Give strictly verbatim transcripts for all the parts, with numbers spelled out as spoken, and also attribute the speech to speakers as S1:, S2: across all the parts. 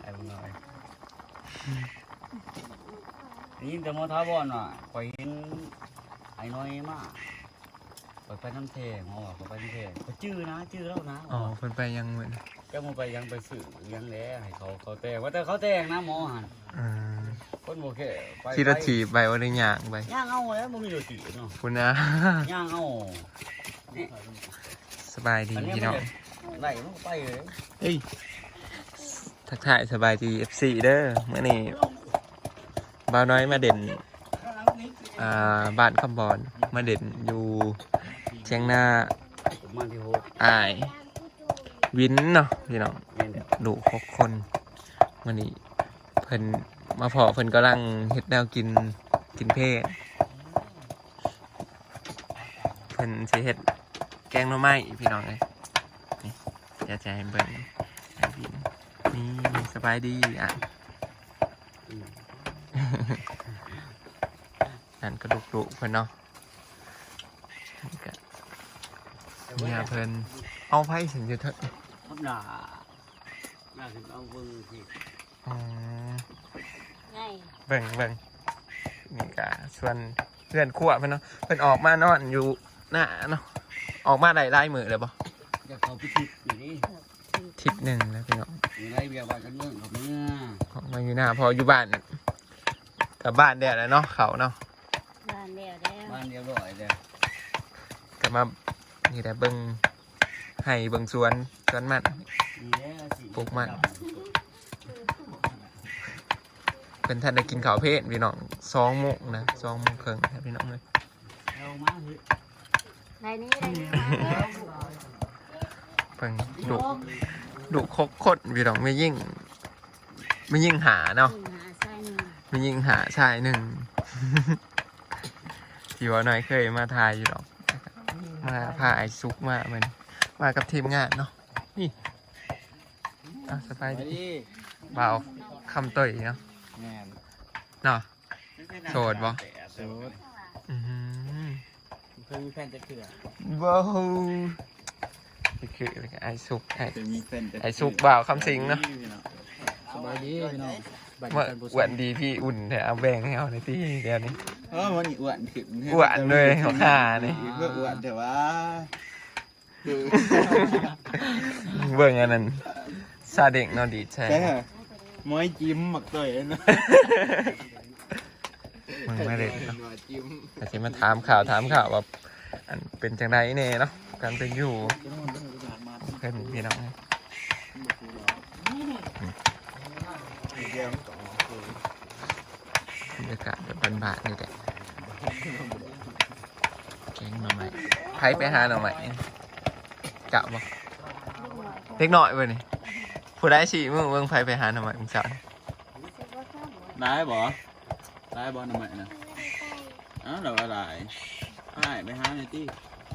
S1: ไอ้บุญน้อยนี่แต่มอท้าบอลว่ะคอยเห็นไอ้น้อยมากไปไปน้ำเทงอ๋อไปน้ำเทงไปจื้อนะจื้อแล้วนะ
S2: อ๋อเพิ่นไปยังเหมือน
S1: จะมาไปยังไปสื่อยังแล้วให้เขาเขาแต่งว่าแต่เขาแต่งนะหมอหันคนโอเคไป
S2: ขี่รถถีบไปว่าได้ย่างไป
S1: ย่างเอาแล้วมึงมีรถถีบเนาะ
S2: คุณนะ
S1: ย่างเอา
S2: สบายดีพี่น้อง
S1: ไหลมันไปเลย
S2: เฮ้ยทักทายสบายดี เอฟ ซี เด้อเมื่อนี้บ่าวน้อยมาเด่นอ่าบ้านคำบอนมาเด่นอยู่เชียงนาอายวินเนาะพี่น้องดุหกคนวันนี้เพิ่นมาพอเพิ่นกำลังเฮ็ดแนวกินกินเพศเพิ่นสิเฮ็ดแกงหน่อไม้พี่น้องเลยนี่อยากจะให้เบิ่งให้พี่นี่สบายดีอ่ะนั่นกระดูกดุเพิ่นเนาะนี่ก็เนี่ยเพิ่นเอาไผ่สิอยู่เถอะ
S1: ครับหนาหนาถึงเอาเบิ่งสิ
S2: อ๋อเบิ่งเบิ่งนี่ก็ส่วนเพื่อนขั้วเพิ่นเนาะเพิ่นออกมานอนอยู่หน้าเนาะออกมาได้ไล่มือเลยบ่
S1: อยากเขาไปทิศอยู่นี่
S2: ทิศหนึ่งแล้วพี่น้อง
S1: มีไรเบียร์บ้านกันเมืองกับเมื่อ
S2: ออกมาอยู่หน้าพออยู่บ้านกับบ้านเดียวแล้วเนาะเขาเนาะ
S3: บ้านเดียวแล้ว
S1: บ้านเดียวร่อยเดียว
S2: ก็มานี่แหละเบิ่งให้เบิ่งสวนสวนมันปลูกมันเป็นท่านได้กินข้าวเพลพี่น้องสองโมงนะสองโมงครึ่งพี่น้องเลย
S3: ไรนี้ไรนี้
S2: เพิ่งดุดุคกคดพี่น้องไม่ยิ่งไม่ยิ่งหาเนาะไม่ยิ่งหาชายหนึ่งที่ว่าน้อยเคยมาทายอยู่หรอกมาพาไอซุกมาเหมือนมากับทีมงานเนาะนี่อ่ะสบายดีเบาคำเตยเนาะเนาะโสดบ่
S1: โสด
S2: อืม
S1: เคยมีแฟนจะเถื่อ
S2: ว้าวคือไอซุกไอไอซุกบ่าวคำสิงเนาะ
S1: สบายดีพี่น้อง
S2: เมื่ออ้วนดีพี่อุ่นแต่เอาแบ่งให้เอาในที่เดียวนี้
S1: เออมันอ้วนขึ้น
S2: อ้วนเลยเขาขานี่
S1: เมื่ออ้วนแต่ว่า
S2: เบิ่งอันนั้นซาเด็กนอนดีใช่
S1: มอยจิ้มหมักต่อยนะ
S2: มึงไม่เด็กเนาะอาจจะมาถามข่าวถามข่าวว่าอันเป็นจังไรเน่เนาะการเป็นอยู่เพื่อนพี่น้องบรรยากาศแบบบ้านๆนี่แหละแกงหน่อไม้ไผ่ไปหาหน่อไม้กะบ่เล็กน้อยเว้ยนี่ผู้ได้สิมึงมึงไผ่ไปหาหน่อไม้มึงจับ
S1: ได้บ่ได้บ่หน่อไม้นะอ้าวเราอะไรได้ไปหาหน่อยที่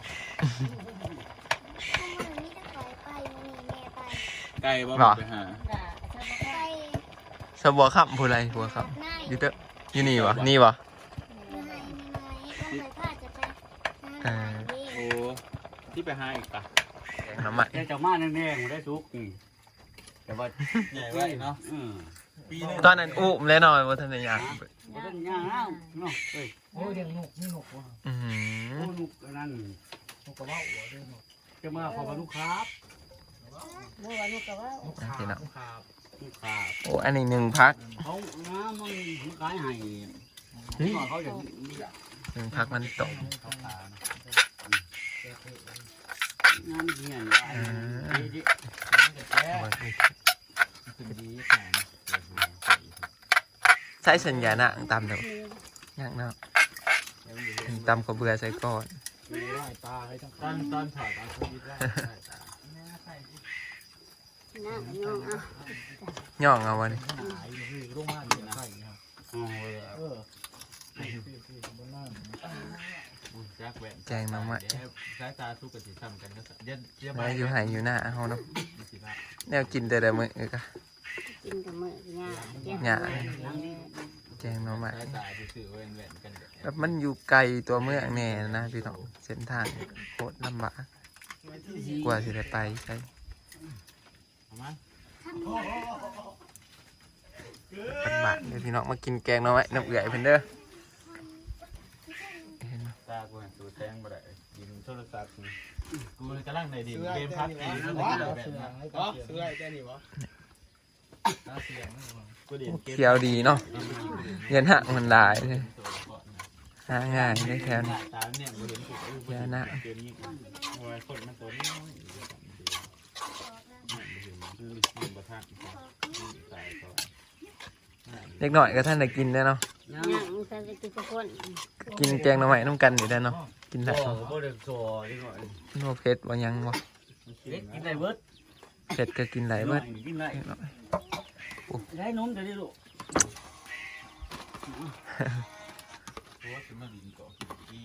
S1: ไก่บ่ไปหา
S2: สบัวขับผู้ไรบัวขับยูเตอร์ยูนี่วะนี่วะ
S1: โอ้ที่ไปหาอีกปะ
S2: แกงน้ำมัน
S1: แกงจากมาแน่ๆผมได้ซุกแต่ว่าใหญ่ไว้เนาะ
S2: ตอนนั้นอุ้มแล้วหน่อยว่าท่านอยาก
S1: ว่าท่านย่างแล้วเนาะเฮ้ย
S4: โอ้ยเลี้ยงนกนี่นกว่ะ
S2: อื
S1: มโอ้นกนั่น
S4: นกกระว่าหัวเลี้ยงนก
S1: จะมาขอพานุครับ
S3: เมื่อวานนกกระว่านก
S4: ขาบนกขาบ
S1: นกขาบ
S2: โอ้อันนี้หนึ่งพัก
S1: เขาน้ำมันขายให้เขาอย่าง
S2: หนึ่งพักมันตก
S1: งานเงี้ยดีดี
S2: ใช้สัญญาณะตามเดี๋ยวย่างเนาะตามก็เบื่อใส่ก้อน
S4: ตอนตอนถ่ายตอนโควิดได้
S2: ย่องเอาวันนี้แกงน้ำมันมาอยู่หายอยู่หน้าเขาเนาะแนวกินแต่ละมื้อก็
S3: กินกับมื้อ
S2: หญ้าแกงน้ำมันแบบมันอยู่ไกลตัวเมืองแน่นะพี่น้องเส้นทางโคตรลำบากกว่าจะได้ไปใช่เป็นบาทเดี๋ยวพี่น้องมากินแกงหน่อไม้น้ำเอื่อยเพิ่นเด้อเห็นบ่
S4: ตากูเห็นตัวแทงบ่ได้ยิงโทรศัพท์กูกำลังในดินเกมพับตีแล้วก็แบบนั้นอ๋อซื้อไอ้แค่นี้วะตาเสียงกูเด่นเกม
S2: เขียวดีเนาะเย็นหักมันหลายเลยหาง่ายได้แถวนี้
S4: ตาเนี่ยกูเห็นถูกเกมนี้โอ้ยคนมันตัวน้อยมันประทัดใส่ตัว
S2: เล็กหน่อยก็ท่านได้กินได้เนาะ
S1: ยัง
S3: ย่างมันจะกินทุกคน
S2: กินแกงหน่อไม้น้ำกันนี่ได้เนาะกินได้
S1: บ่บ่ได้โซ่นิดหน่อย
S2: โนเผ็ดบ่ยังบ่
S1: เล็กกินได้เบิด
S2: เผ็ดก็กินไหลายเบิด
S1: กินได้
S2: เล็กน้อย
S1: ได้นมจะได้ลูก
S4: เพราะว่าจะมาดินเกาะที่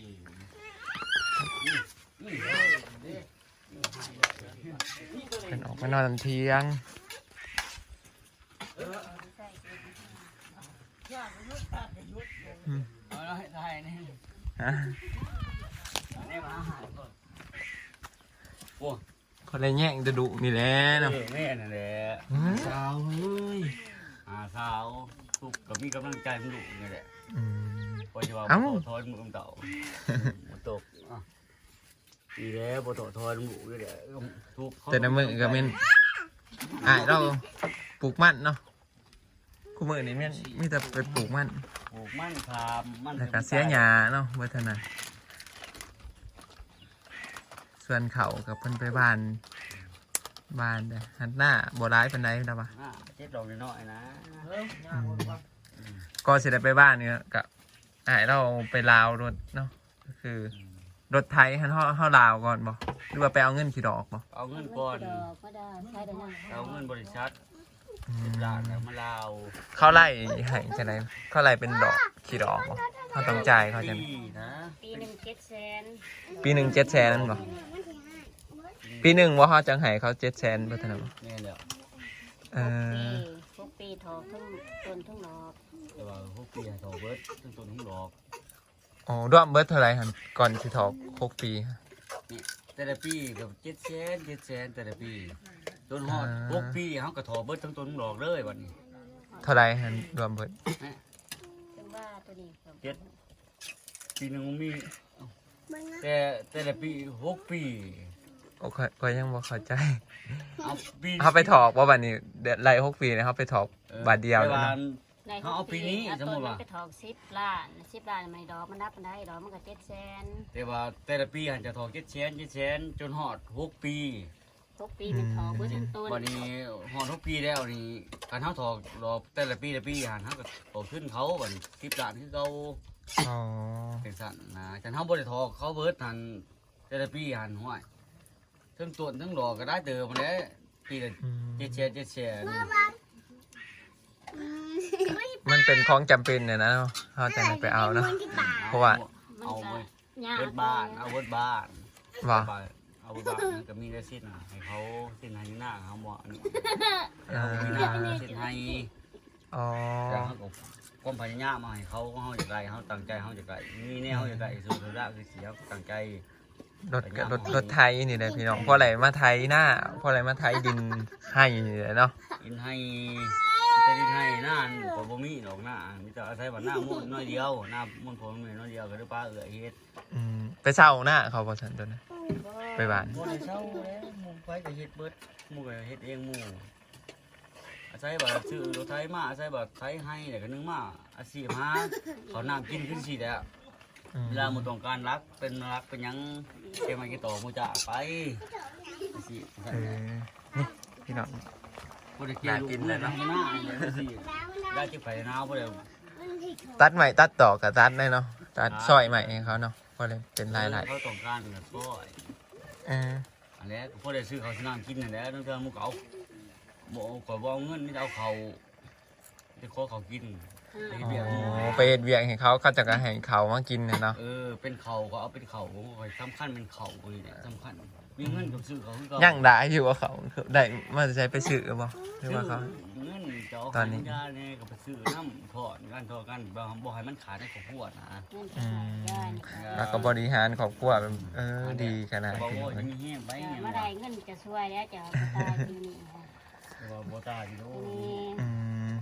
S2: เป็นออกมานอนตอนเที่ยง
S1: เอาละให้ได้นี่
S2: ฮะ
S1: นี่มาหาก่อนโอ้
S2: คนได้แย่งจะดุนี่แหละเนาะ
S1: เออแม่นั่นแหละ
S4: สาวเฮ้ย
S1: อาสาวทุกก็มีกำลังใจมันดุนี่แหละ
S2: อืม
S1: พอจะว่า
S2: เอ้า
S1: บ่ทอนมือเต่าบ่ตกอ่ะนี่แหละบ่ตกทอนดุนี่แหละทุก
S2: แต่ในมือก็เป็นอ่ายเราปลูกมันเนาะคู่มือนี่แม่นมีแต่ไปปลูกมัน
S1: ปลูกมันคามมัน
S2: แล้วก็เสียหญ้าเนาะวัฒนาส่วนเขากับเพิ่นไปบ้านบ้านเด้อหันหน้าบ่ร้ายปานใดนะวะ
S1: อ่าเจ็ดดอกน้อยๆนะ
S2: ก็สิได้ไปบ้านเนี่ยกับอ่ายเราไปลาวรถเนาะก็คือรถไทยหันเฮาเฮาลาวก่อนบ่หรือว่าไปเอาเงินขี่ดอกบ่
S1: เอาเงินก่อน
S3: ดอกก็ได้ใช้ได้นะ
S1: เอาเงินบริษัท
S2: อื
S1: สิบ
S2: ม
S1: ล้านแล้วมาลาว
S2: เขาไล่ให้จังไดเขาไล่เป็นดอกขี่ดอกบ่เขาต้องจ่ายเขาจัง
S1: ปีนะ
S3: ปีหนึ่งเจ็ดแสน
S2: ปีหนึงเจ็ดแสนนั่นบ่ปีหนึงว่าเขาจังให้เขาเจ็ดแสนบ่ทันบ่
S1: แม่นแล้ว
S2: เออ
S3: ทุกปีทอทุ่งต้นทุ่งดอก
S1: แต่ว่าหกปีให้ต่อเบิดต้นต้นทั้งดอก
S2: อ๋อรวมเบิดเท่าไหร่หั่นก่อนสิถอกหกปี
S1: แต่ละปีกับเจ็ดแสนเจ็ดแสนแต่ละปีจนฮอดหกปีเขาก็ถอเบิดทั้งต้นทั้งดอกเลยวันนี้
S2: เท่าไหร่หั่นรวมเบิด
S3: ถึงว่าตัวนี้ครับ
S1: เจ็ดปีหนึ่งมีแต่แต่ละปีหกปี
S2: โอ้ยก็ยังบ่เข้าใจ
S1: เอาปี
S2: เขาไปถอกว่าบัดนี้เดือนไล่หกปีเนี่ยเขาไปถอกบาทเดียว
S1: ไป
S2: เลย
S1: วา
S2: นะ
S1: น
S3: ใน
S1: เขาเอาปีนี้สมมุติว่า
S3: ไปทอกสิบล้านสิบล้านมันดอกมันนับมันได้ดอกมันก็เจ็ดแสน
S1: แต่ว่าแต่ละปีหันจะถอเจ็ดแสนเจ็ดแสนจนฮอดหกปี
S3: ทุกปีมันทอกเบิดทั้งต้น
S1: วันนี้ฮอดหกปีแล้วนี่การเขาถอกรอแต่ละปีละปีหันเขาก็ถอขึ้นเขาบัดสิบล้านคือเขา
S2: อ๋อ
S1: เป็นสั่นนะการเขาบ่ได้ถอกเขาเบิดหันแต่ละปีหันห้วยทั้งต้นทั้งดอกก็ได้เติมมาแล้วปีละ
S2: อืม
S1: เจ็ดแสนเจ็ดแสน
S2: มันเป็นของจำเป็นเนี่ยนะเขาจะไปเอาเนาะ เพราะว่า
S3: มัน
S1: เอา
S3: ก็
S1: เว้ย
S3: ยาก
S1: เบิดบ้านเอาเบิดบ้าน
S2: ว่า
S1: เอาเบิดบ้านมันก็มีได้สิ้นน่ะให้เขาสิ้นให้หน้าเขาบ่อันนี้
S2: เอ
S1: เอา
S2: อ
S1: มีหน้าสิ้นให้
S2: อ๋อ
S1: แต่เขาก็ความพยายามมาให้เขาเขาจะได้เขาตั้งใจเขาจะได้มีแนวเขาจะได้สุดท้ายคือเสียตั้งใจ
S2: รถกับรถรถไทยนี่เลยพี่น้องเพราะอะไรมาไทยหน้าเพราะอะไรมาไทยดินให้นี่แหละเนาะ
S1: อินให้แต่ดินให้หน้าก็บ่มีดอกหน้ามีแต่อาศัยว่าหน้ามุ่นน้อยเดียวหน้ามุ่นผมน้อยเดียวก็ได้ป้าเอื้อเฮ็ด
S2: อืมไปเช่าหน้าเขาพอสันตัวนะไปบ้าน
S1: บ่ได้เช่าแล้วหมู่ไปก็เฮ็ดเบิดหมู่ก็เฮ็ดเองหมู่อาศัยว่าซื้อรถไถมาอาศัยว่าไถให้แล้วก็นึงมาอาชีพหาเขาน้ำกินขึ้นสิแล้ว
S2: อืม
S1: เวลาหมู่ต้องการรักเป็นรักเป็นหยังเก็บมากี่ต่อหมู่จะไปอาชีพ
S2: เออนี่พี่น้อง
S1: บ่ได้เกี่ยวลูกเลยนะหน้าอาชีพได้จิไปหนาวบ่ได้
S2: ตัดใหม่ตัดต่อกับตัดได้เนาะตัดซอยใหม่ให้เขาเนาะเพราะเลยเป็นลายลาย
S1: เขาต้องการเป็นแบบซอย
S2: เออ
S1: อันนี้ก็พอได้ซื้อเขาวสนามกินนั่นแหละนั่นเทื่อหมู่ก็เอาบ่ข่อยบ่เอาเงินมีแต่เอาเขาจะขอเขากินไปเฮ็ด
S2: อ๋
S1: เวียกหมู่
S2: อไปเฮ็ดเวียงให้เขาเขาจะก็ให้เขามากินเนี่ยเนาะ
S1: เออเป็นเขาก็เอาเป็นเขาข่อยสำคัญเป็นเขานี่แหละสำคัญมีเงินกับซื้อเขาคือเก่า
S2: ย่างได้อยู่ว่าเขาได้มาจะใช้ไปซื้อบ่หรือว่าเขา
S1: เงินเจ้า
S2: ตอนนี้
S1: ยาเนี่ยก็ไปซื้อน้ำถอดกันถอดกันบ่บ่ให้มันขาดในครอบครัวนะ
S3: นั่นก็ได้
S2: แล้วก็บริหารครอบครัวแบบเออดีขนาด
S1: บ่
S2: นี้
S1: ว่า
S2: เล
S1: จะ
S2: ย
S1: มีแห้งไปเนี่ย
S3: มาได้เงินจะช่วยแล้วจะตายปีนี้ค่ะ
S1: แต่ว่าบ่ตายอยู่
S3: ปีนี้
S2: อืมแต่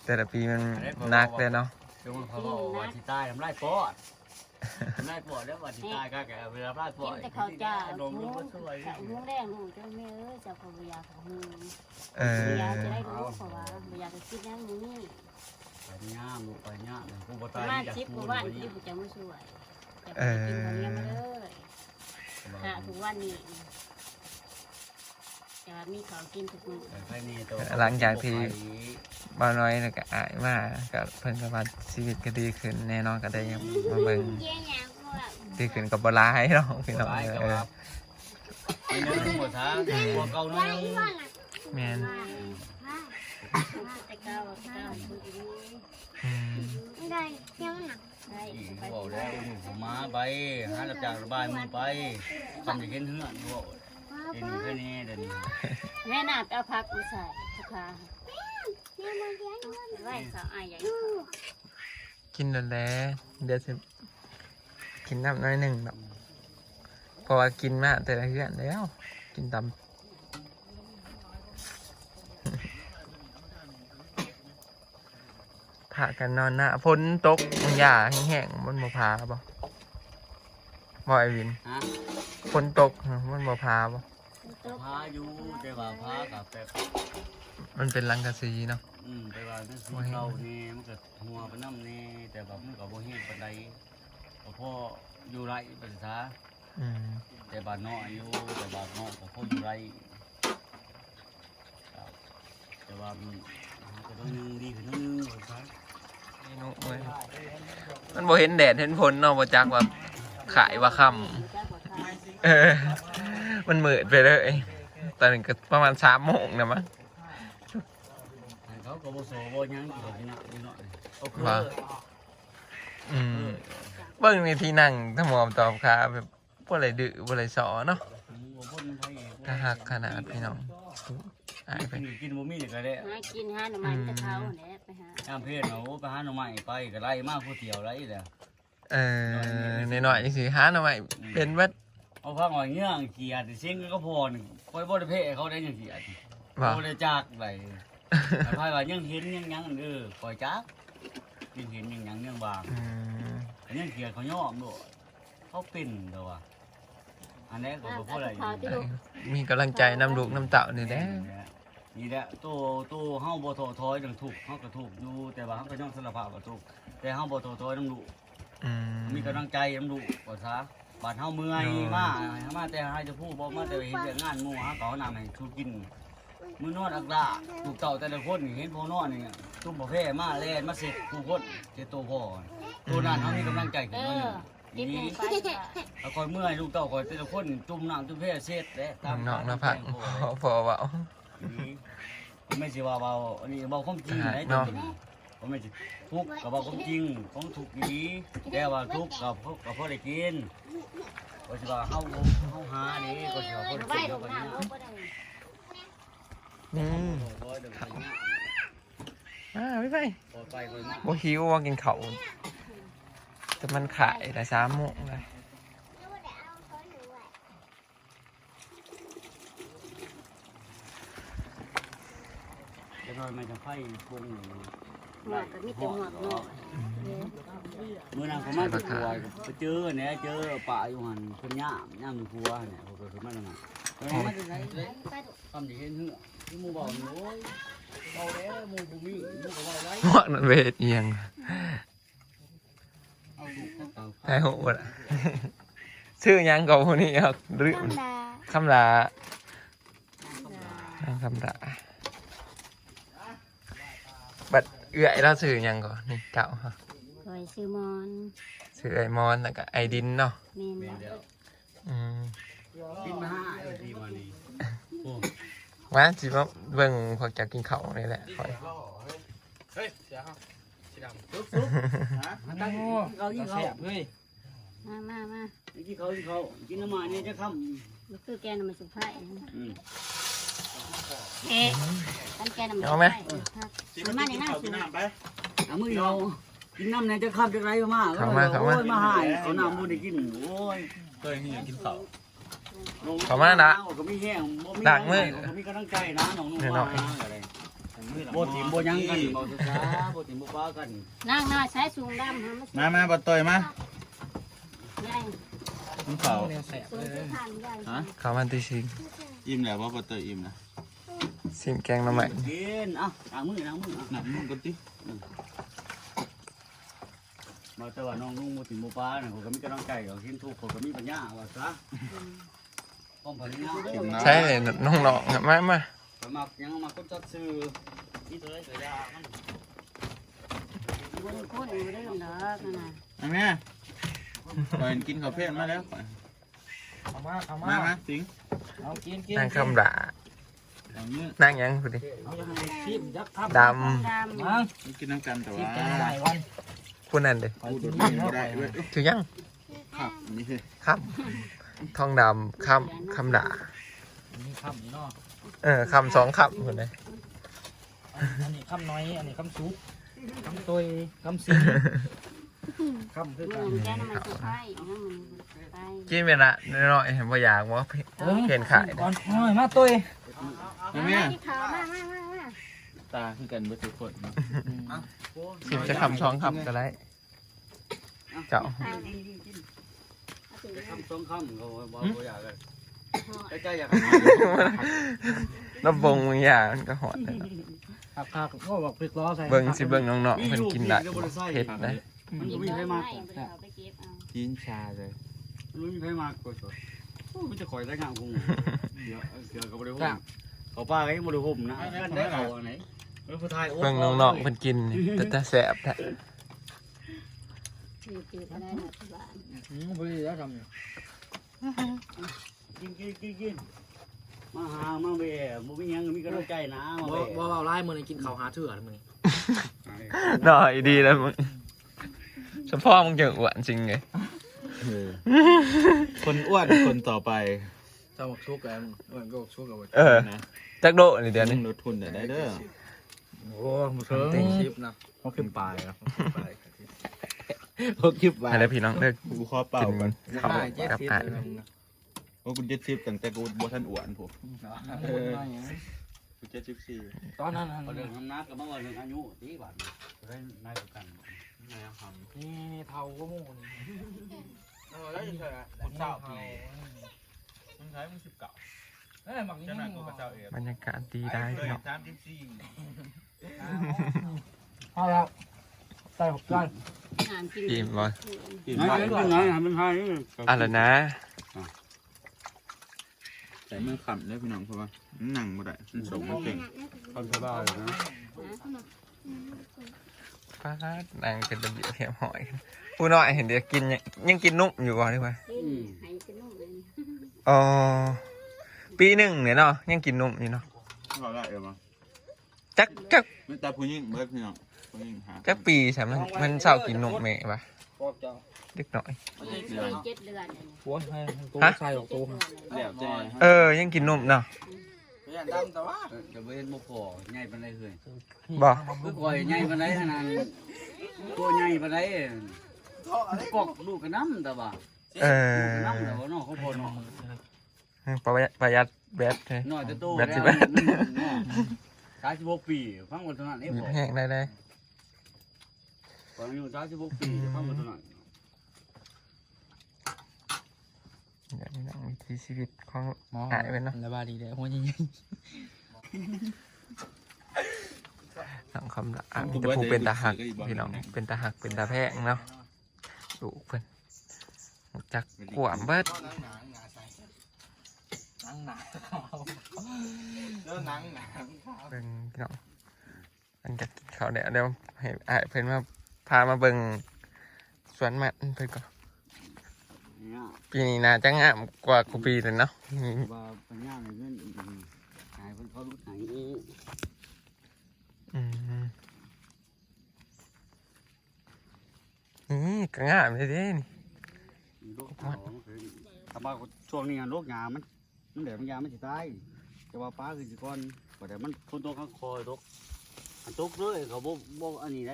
S2: แต่ละปีมันหนักเลยเนาะ
S1: จงเขาบอกว่าที่ใต้ทำไรปอดทำไรปอดแล้วว่าที่ใต้ก็แกเวลาไรปอ
S3: กิ
S1: ด
S3: นแต่ข้าวจ้า
S1: ลม
S3: หู
S1: ก็ช่วย
S3: หูแดงหูเจ้าแม่เอ้ยเจ้าพยาของหู
S2: เออ
S3: พยาจะได้รู้เพราะว่าพยาจะคิดนั่งอยู่นี่
S1: ไปย่ามลูกไปย่ามกูบ่
S3: ป
S1: ตาย
S3: ระมาณ
S1: จาก
S3: สิบก
S1: กู
S3: ว่า
S1: บ่
S3: วัน
S1: ย่า
S3: ที่
S1: ม
S3: ผมจะมาช่วยแต่ไปกินคนเดียวมาเลยหาทุกวันนี้แต่ว่ามีเขากินทุกมื้อ
S2: หลังจากที่บ่าวน้อยแล้วก็อายมาก็เพิ่นก็ว่าชีวิตก็ดีขึ้นแน่นอนก็ได้มาเบิ่งดีขึ้นก็บ่ร้ายเนาะพี่น้องเออ
S1: ไปเนื้อหมดท้าหัวเก่าน้อย
S2: แม่น
S3: แต่เก้าเก้าคนนี้
S2: อืม
S3: ได้ยังหนักได้
S1: อีก
S3: ไป
S1: บอกแล้วผมมาไปหารับจากระบายมือไปทำอย่างเห็นเหือนบอกเห็นแค่นี้เดี๋ยวนี้
S3: แม่น่าไปเอาพักมาใส่ทุกคาไว้สาวอายใหญ่
S2: กินแล้วแหละเดี๋ยวสิกินน้ำน้อยหนึงดอกเพราะว่ากินมาแต่ละเฮือนแล้ว กินตำพากันนอนหน้าฝนตกมันหญ้าแห้งๆมันบ่พาบ่บ่ไอวิน
S1: ฮะ
S2: ฝนตกมันบ่พาบ่
S1: พาอยู่แต่ว่าพากับแบบ
S2: มันเป็นรังกะสีเนาะ
S1: อืมแต่ว่าเรื่องสีเขานี่มันก็หัวไปน้ำนี่แต่แบบมันก็บ่เห็นปานใดพ่ออยู่ไรภาษา
S2: อืม
S1: แต่บาดน้อยอยู่แต่บาดน้อยก็พ่ออยู่ไรแต่ว่ามันก็ต้องนึงดีขึ้นนึงภาษา
S2: นี่นุ้ยมันบ่เห็นแดดเห็นฝนเนาะบ่จักว่าขายว่าค่ำเออ มันมืดไปเลยตอนนี้ก็ประมาณสามโมงนะมั้ง
S1: เขาก็บ่โซบ่ยังอยู่ที่นั่นนี่เนาะโอเค
S2: ว่า อืมเบิ่งในที่นั่งถ้ามอมตอบขาแบบบ่อะไรดื้อบ่อะไรสอเนาะ
S1: บ่พ้นไผ
S2: ถ้าหักขนาดพี่น้องอายไป
S1: กินกินบ่มีก็ได้
S3: หากินหาหน่อไม้จะเขาเนี่ยไปหา
S1: ตามเพศเนาะไปหาหน่อไม้ไปก็ไล่มาผู้เที่ยวไล่แหละ
S2: เออหน่อยๆจังซี่หาหน่อไม้เป็นเบิด
S1: เอาพังว่าเงี้ยเกียดเสียงก็พอนึงค่อยบ่ได้เพะเขาได้ยังเกียด
S2: ว่า
S1: บ่ได้จากไดไผว่ายังเห็นยังยังเออปล่อยจักยังเห็นยังยังยังบาง
S2: อืม
S1: อันนี้เกียดเขายอมโดดเขาเป็นเด้อว่าอันนี้ก็บ่พอได้
S3: เขาที่ลูก
S2: มีกำลังใจนำลูกนำเต่านี่แหละ
S1: นี่แหละตัวตัวเฮาบ่ท้อถอยดังทุกข์เฮาก็ทุกข์อยู่แต่ว่าเฮาก็ยอมสารภาพว่าทุกข์แต่เฮาบ่ท้อถอยนำลูก
S2: อืม
S1: มีกำลังใจนำลูกว่าซะบาดเฮาเมื่อยมามาแต่ให้จะพูดบ่มาแต่เฮ็ดเรื่องงานหมู่เฮาก็เอาน้ำให้ชูกินมื้อนอนอักดาลูกเต่าแต่ละคนนี่เห็นพ่อนอนนี่ตุ้มบ่แพ้มาแล่นมาเสร็จผู้คนเจ็ดตัวพ่อตัวนั้นเฮามีกำลังใจ
S3: เอ
S1: ขึ้นมาห
S3: อ
S1: นึ่ง
S3: กิน
S1: นี่
S3: ไป
S1: เอาคอยเมื่อยลูกเต่าคอยแต่ละคนจุ่มน้ำจุ่มแพ้เสร็จแล้วตาม
S2: น้องๆนะพักพอเว้า
S1: ไม่ใช่ว่าเบาอันนี้เบาความจริงไหน
S2: เนาะ
S1: ผมไม่ใช่ทุกข์กับเบาความจริงของทุกข์ดีแต่ว่าทุกข์กับกับพ่อได้กินก็สิว่าเฮาเฮาหานี่ก็สิว่าพ่อได้
S3: ไว้
S1: กิน
S3: ล
S1: เฮาง ก็
S3: น้ำ
S1: นี่
S3: เอาไปได้
S2: อืม
S1: บ่เดี๋ยวไปเนี่ย
S2: อ่าไปไป
S1: ปล่อยไปคอยมา
S2: บ่หิวว่ากินข้าวแต่มันขายได้สามโมงเลย
S1: จะน้อยมันจะไฟปรุง
S3: หมวกก็มีแต่หมวกเนาะ
S1: มื้อนั้นผมมาที่ครัวไปเจอเนี่ยเจอป่าอยู่หั่นเพิ่นย่ามย่ามครัวเนี่ยผมก็คือมาแล้วน่ะเออมันจะไหนเลยทำสิเห็นเหือที่หมู่บอกโอ้ยเอาแล้วหมู่บ่มีหมู่ก็ว่าไว้
S2: หมวกนั่นเวทเอียง
S1: เอาลูกเอา
S2: ไทยโหดอะชื่อหยังกับพวกนี้ครับหรือคำลานั่งคำลาบัดเอื้อยเราสื่อหยังก่อนนี่เจ้าฮะ
S3: คอยซื้อมอน
S2: สื่อไอมอนแล้วก็ไอดินเนาะ
S3: เมน
S1: แม่นแล้ว
S2: อืม
S1: กินมาห้าไอ้ที่มานี่โอ้
S2: ว่าจิว่าเบิ่งพวกจะกินข้าวนี่แหละคอย
S4: เฮ้ยเสียครับสีดำ
S1: ซุบซุบฮะมันตั้งเขายิงเขา
S4: เสียบเฮ้ย
S3: มามามา
S1: กินเขากินเขากินน้ำมันเนี่ยจะค่
S3: มันคือแกนมันสุภาพ
S1: ำอืม
S3: เอ๊ะตั้งแกนมันสุภาพ
S4: สีมันกินข้าวกินน้ำไป
S1: เอามือเรากินน้ำเนี่ยจะค่ำจะไรมากโอ้ยมาหายเอาน้ำมูได้กินโอ้ย
S4: เคยนี่กินข้าว
S1: ก็มีแห้งก็มีกำลังใจนะน้องนุ่มมาอะไร
S2: ม
S1: โบถิ่มโบยังกันโบสุขาโบถิ่มโบป้ากัน
S3: นั่งหน้าใช้สูงดำ
S4: มามาบ่ต่อยมา
S3: ใหญ่
S4: คุณเขา
S3: สูงที่ทานใหญ่
S4: ฮะ
S2: ข้าวมันตีชิง
S4: อิ่มแล้วบ่บ่ต่อยอิ่มนะ
S2: ชิมแกงหน้ำใหม่
S1: กินอ่ะล้างมือล้างมือ
S4: หนักมึงกันติ
S1: มาแต่ว่าน้องนุ่งโบถิ่มโบป้าเนี่ยเขาก็มีกำลังใจเขาเห็นทุกเขาก็มีปัญญาว่าซะป้องปัญญา
S4: กินน้ำ
S2: ใช่เลยน้องๆอะมามา
S1: สมัครยังมาคนจัดซื้อนี่ตัวได้ตัวยามัน
S3: บนโคนอยู่ได้หรอกนะ
S4: อันนี้ก่อนกินข้าวเพลนมาแล้ว
S5: เอามาเอา
S4: มา
S5: มา
S4: มาสิง
S5: เอากินกิน
S2: นั่งคำด่า
S4: เอาเนื้อ
S2: นั่งยังพูดดิ
S5: เอาอย่างไรชิมยักษ์ทับ
S2: ด
S3: ดำ
S5: มา
S4: กินน้ำกันแต่
S5: ชิม
S4: ว่า
S5: แกงใส่วัน
S2: ำพูดนั่นเลย
S4: พูดโดดไม่ได้ด้วย
S2: ถือยัง
S4: ครับนี่คือ
S2: ครับทองดำคำคำด่า
S5: นี่คำนี่เนาะ
S2: เออคำสองคำคนเลย
S5: อันนี้คำน้อยอันนี้คำซุปคำตุยคำซีคำคือ
S3: เห
S5: กั
S3: มื
S5: น
S3: อนแกน้ำมันสุไฟน้ำมันไฟ
S2: กินเวลาน้อยๆเห็นว่าอยากว่าเห็นขาย
S5: ก่อนน้อยมาตุย
S4: อันนี้
S3: ที่เขามามามามา
S4: ตาคือกันเบ่ทุกคน
S2: ชิมจะคำสองคำก็ได้เจ้า
S1: คำสองคำเขาบอกเขาอยากเลยใกล้ๆอยาก
S2: แล้วบงมึงอยากมันก็หอดเลย
S5: ขับขับก็บอกพริกล้อใส่
S2: เบิ่งสิเบิ่งน้องๆเพิ่นกินได้เผ็ดได้
S1: มัน
S3: อี
S1: ก็
S3: ก
S1: มี
S3: น้อย
S1: ใคร
S3: ไม่
S1: มาก
S3: เอาไปเก็บเอา
S4: กินชาเลย
S1: มันมีใครมากกว่ามันจะคอยได้งานคงเดี๋ยวเดี๋ยวก็บริโภคเขาป้าก็ยังบริโภคนะกันได้เขาไหนเออผู้ไทย
S2: เบิ่งน้องๆเพิ่นกินนี่แต่แต่แซ่บแท้
S3: คือคืออะไรนะที่บ้าน
S5: อืมพอดีแล้วทำเนี่ย
S1: กินกินกินกินมาหามาเบะบุมียังมีกระดูกใจนะมา
S5: บ่
S1: เบะ
S5: บ่เอาไล่มือนี่กินข้าวหาเถื่อนมือนี่
S2: หน่อยดีแล้วมึงเฉพาะมึงจะอ้วนจริงไง
S4: คนอ้วนคนต่อไป
S5: เจ้าหมกชุกกันเหมือนก็หมกชุกกันหมด
S2: เออ
S4: นะ
S2: จักโดนี่เดี๋ยวนี้
S4: ลดทุนได้เด้อ
S5: โอ้หมกเถิง
S2: เต็ง
S5: ชิปนะเขาขึ้นปลายนะเขาคลิปปลาย
S2: อะไรพี่น้องเลิก
S4: กูขอเป่า
S2: กิน
S4: กัน
S2: ข้าวกับอ่าน
S4: โอ้กูเจ็ดสิบตั้งแต่กูบ่ทันอ้วนผมกูเจ็ดสิบสี่
S5: ตอนนั้น
S1: พอเดินทำนักกับเมื่อวันอายุที่บ้านได้นายกัน
S4: นายท
S5: นี่เทาก็มูนี่
S4: ำเออแล้วจะใช่คนเศร้าปีมึงใช้มึงสิบเก้า
S5: เอ้ยหมักนี่
S4: เจ้าหน้ากูกับเจ้าเอ๋
S2: บรรยากาศดีได้พี่น้อง
S4: สามสิบสี่
S5: เอาแล้วใส่หกก้อน
S3: งานกิน
S2: อิ่มบ่
S4: กิน
S1: นายเป็นไงเป็นไง
S2: อะไรนะ
S4: แต่เมื่อขำได้พี่น้องเพราะว่าหนังบ่ได้มันส่งมันเก่ง
S1: ทำสบายนะ
S2: ฟ้านางเป็นระเบียบเรียบร้อยผู้น้อยเห็นเดี๋ยวกินยังยังกินนุ่มอยู่ก่อนดีกว่า
S3: กินให้กินนุ่มเลย
S2: อ๋อปีหนึ่งเนี่ยเนาะยังกินนุ่มอยู่เนาะ
S4: ก็ได้เออมา
S2: จักจัก
S4: ไม่ตาผู้หญิงเบิดพี่น้องผู้หญิงหา
S2: จักปีใช่ไหมนมันเศร้ากินนุ่มแม่ปะ
S5: พวกเจ้า
S2: เด็กน้อย
S3: เจ็ดเดือน
S5: หัวให้ตัวใส่หกตัว
S4: แล้วแต่
S2: เออ ยังกินนุ่มเนาะ
S5: ยันดำแต่ว่า
S1: จะเป็นโมพอใหญ่ปานใดเคย
S2: บ่
S1: คือก่อยใหญ่ปานใดขนาดตัวใหญ่ปานใดกอกลูกกระน้ำแต่ว่า
S2: เอ
S1: ลูกกระ
S2: อ
S1: น้ำแต่ว่าน้องเขาพอน้อง
S2: ประหยัดประหยัดแบตเลย
S1: น้อยแต่โต
S2: แบ
S1: แล้ว
S2: ตสิแบต
S1: สามสิบหกปีฟังวันเท่านั้นเองบอก
S2: แห้งได้ได้
S1: ตอนอายุสามสิบหกปีฟังวันเท่านั้น
S2: เดี๋ยวนี้นะวิถีชีวิตของหายไปเนาะ
S5: ระบาดดีเลยหัวยิ่ง
S2: หลังคำละอ่ะแต่ผู้เป็นตาหักพี่น้องเป็นตาหักเป็นตาแพงเนาะดูเพิ่นรู้จักขวามเบิด
S5: หนังหนาแล้วหนังหนา
S2: เบิ่งพี่น้องมันจะกินข้าวเดี๋ยวเดี๋ยวให้อ้ายเพิ่นมาพามาเบิ่งสวนมันเพิ่นก็
S1: เนี่ย
S2: ปีนี้น่าจะงามกว่ากูปีเลยเนาะนี่
S1: ว่าปัญญาในเงินหายคนเขารู้หาย
S2: อืมนี่ก็งามเลยเด้นี่
S1: โรคเขาคือถ้าว่าช่วงนี้โรคยามันมันเดี๋ยวมันยามันจะตายแต่ว่าป้าคือสิก่อนก็แต่มันคนตัวข้างคอยตกอันตกเลยเขาบอกบอกอันนี้ได้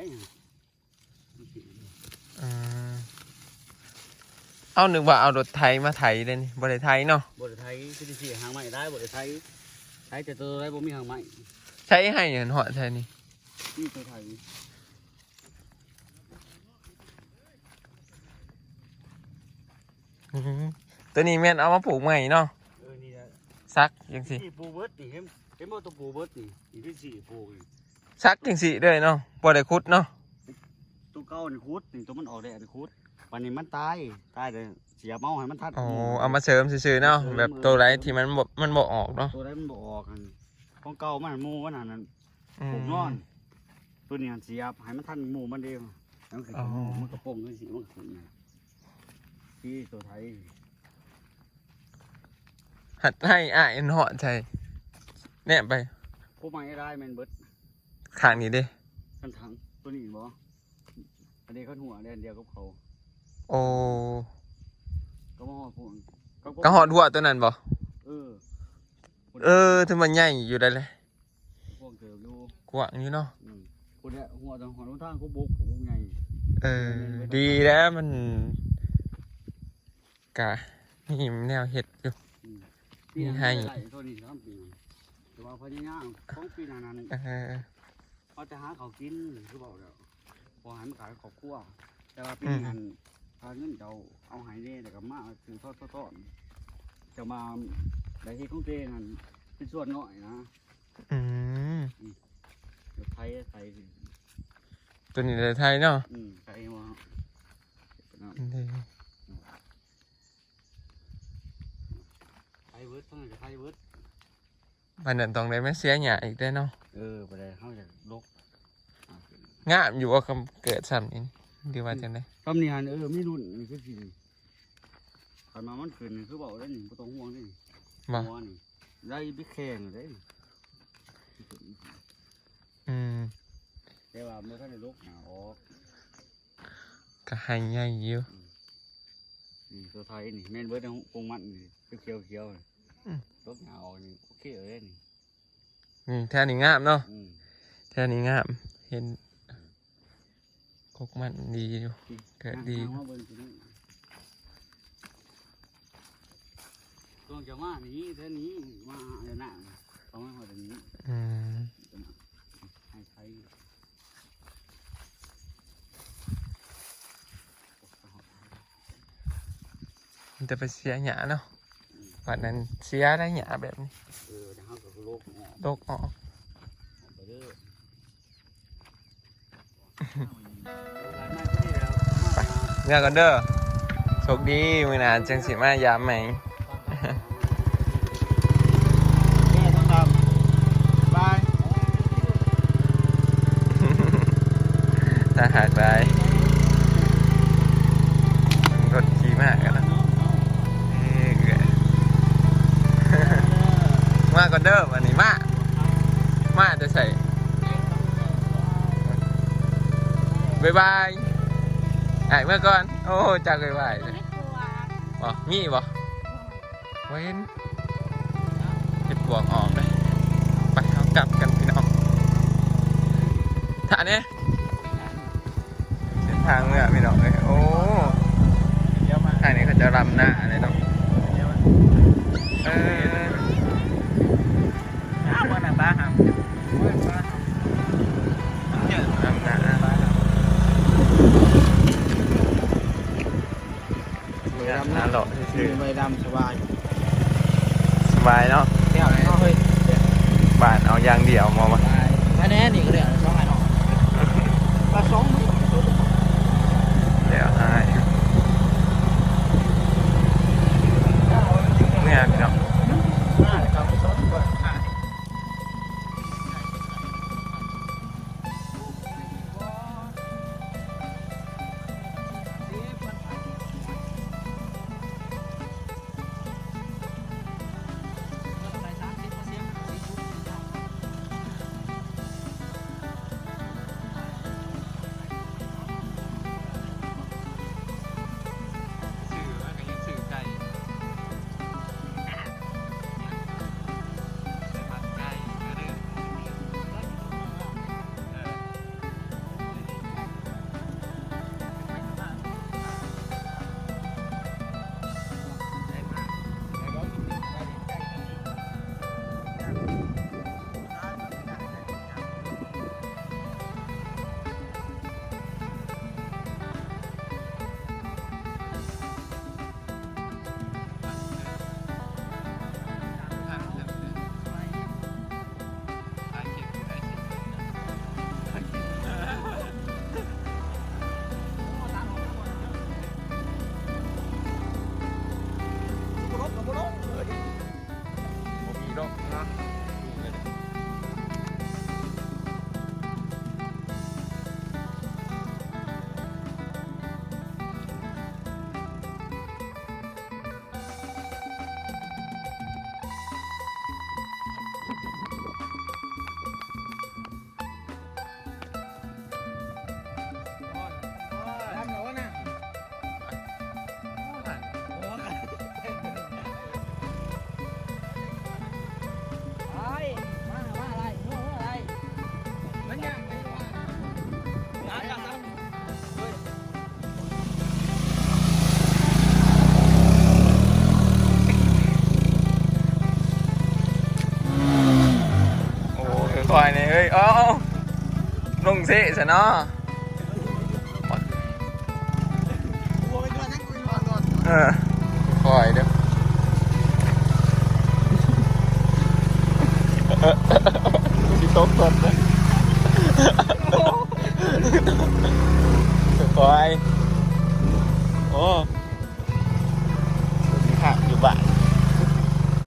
S2: อืมเอานึกว่าเอารถไถมาไถเลยนี่บ่ได้ไถเนาะ
S1: บริไทยคือสิหางใหม่ได้บริไทยไทยแต่ตัวไรบ่มีหางใหม่
S2: ใช้ให้เห็นหอดใช่นี่
S1: นี่ตัวไทย
S2: อื้อหือตัวนี้แม่นเอามาปลูกใหม่เนาะ
S1: เออนี่แหละ
S2: ซักยังสิ
S1: นี่ปูเบิร์ดนี่เห็นเห็นบ่ตัวปูเบิร์ดนี่นี่ที่สี่ปูนี่
S2: ซักยังสิเลยเนาะบ่ได้คุดเนาะ
S1: ตัวเก่านี่คุดนี่ตัวมันออกแดดนี่คุดปันนี้มันตายตายเลยเสียเมาให้มันทัด
S2: อ๋อเอามาเสริมซื่อๆเนาะแบบตัวไรที่มันบ่มันบ่ออกเนาะ
S1: ตัวได้มันบ่ออกกันของเก่ามันหมูมันนั่นนั่น
S2: อื
S1: ปลู
S2: ม
S1: กนอนตัวนี้เสียบให้มันทันหมูมันเดียวแล้วคือ
S2: อ๋อ
S1: มันกระโปรงด้วยสิมันขึ้นนะที่ตัวไทย
S2: หัดให้อ้ายเอ็นหอดใช่แน่ไป
S1: ผู้ใหม่ได้แมนเบิร์ด
S2: ข้างนี้ดิ
S1: กันถังตัวนี้บ่อันนี้เขาหัวเดียวเดียวกับเขา
S2: โอ้
S1: ก็มาหอดพวก
S2: ก็หอดหัวตัวนั้นบ่
S1: เออ
S2: เออถ้ามันใหญ่อยู่ได้เลย
S1: พวกเติบอยู่
S2: กว้างอยู่เนาะ
S1: อืมคนเนี้ยหัวทางหัวทางเขาบุกผมไง
S2: เออ ดีแล้วมันกะนี่แนวเห็ดอยู่
S1: ปีนั้น
S2: ให้
S1: ได้ตัวนี้สามปีแต่ว่าพญายามของปีนั้นนั้น
S2: เออ
S1: เขาจะหาเขากินคือบอกแล้วพอหายมาขายขอบครัวแต่ว่าปีนั้นทางเงินเราเอาหายเน่แต่กับมาคือทอดทอดจะมาได้ที่ของเจนั่นเป็นส่วนน้อยนะ
S2: อืม
S1: เดี๋ยวไทยไทย
S2: ตัวนี้เลยไทยเนาะ
S1: อืมไทยว่า
S2: ดี
S1: ไทยเวิร์ดทั้งนั้นไทยเวิร์ด
S2: มันนั่นต้องได้ไม่เสียหยาอีกได้เนาะ
S1: เออไปได้เข้าจากลก
S2: งามอยู่ว่าคำเกิดซ้ำนี่ดีว่าจังได๋
S1: คำนี้ฮันเออมีรุ่นนี่คือสิขันมามันขึ้นคือบอกได้หนิบ่ต้องห่วงได้หนิ
S2: บ่
S1: หัวนี่ได้บิ๊กแข่งได้
S2: อืม
S1: แต่ว่าเมื่อท่านได้ลกหนาออก
S2: ก็ให้ใหญ่อยู่
S1: นี่ตัวไทยนี่แม่นเบิร์ดกงมันนี่เขียวเขียวๆนี่ลกหนาออกนี่โอเคเลยนี่
S2: นี่แท่นี้งามเนาะ
S1: อืม
S2: แท่นี้งามเห็นกกมันดีอยู่เกิดดี
S1: นั่งมาเบิ่งสินี่ตัวจะมานี้เท่านี้มาเดี๋ยวหน้าเอามาเดี๋ยวนี้
S2: อืม
S1: ให้ใช้
S2: มันจะไปเสียหยาเนาะวันนั้นเสียได้หยาแบบนี้
S1: เออเดี๋ยวเขาก็โลกออก
S2: ตกออก
S1: ไปเด้อไม่ก็ดีแล้ว
S2: เมื่อกันเด้อโชคดีมือหนาจังสิมายามไหม
S4: แม่ต้องทำบาย
S2: ถ้าหากได้มันรถขี่มากกันนะเอ้ยเอ้ย มากันเด้อวันนี้มามาจะใส่บายบายไอ้เมื่อก่อนโอ้จากบายบายเลยบ่มีบ่เว้นเก็บบวกออกเลยไปเอากลับกันพี่น้องท่านี้เส้นทางเมื่อพี่น้องเลยโอ้
S4: เดี๋ยวมา
S2: ทางนี้เขาจะรำหน้าเลยเนาะ
S4: เดี๋ยวมา
S2: เออ
S5: อ้าวว่าหนังบ้าครับ
S2: รำหน้าหน้าหล่อ
S4: คื
S2: ชื่อ
S4: อใบดำสบาย
S2: สบายเนาะ
S5: เดี๋ยวเอาเฮ้ย
S2: บ้านเอาอย่างเดียวมามา
S5: อันนี้นี่ก็เดี๋ยวช่องไอ้หนอปลาสองมือ
S2: เดี๋ยวให้เนี่ยพี่น้อง
S4: ครับสองก่อน
S5: เ
S2: คอยนี่เฮ้ยเอ้าลงเซ่ซะเนาะเออคอยเด้อพี่ตกก่อนนะคอยโอ้ขาอยู่บ้าน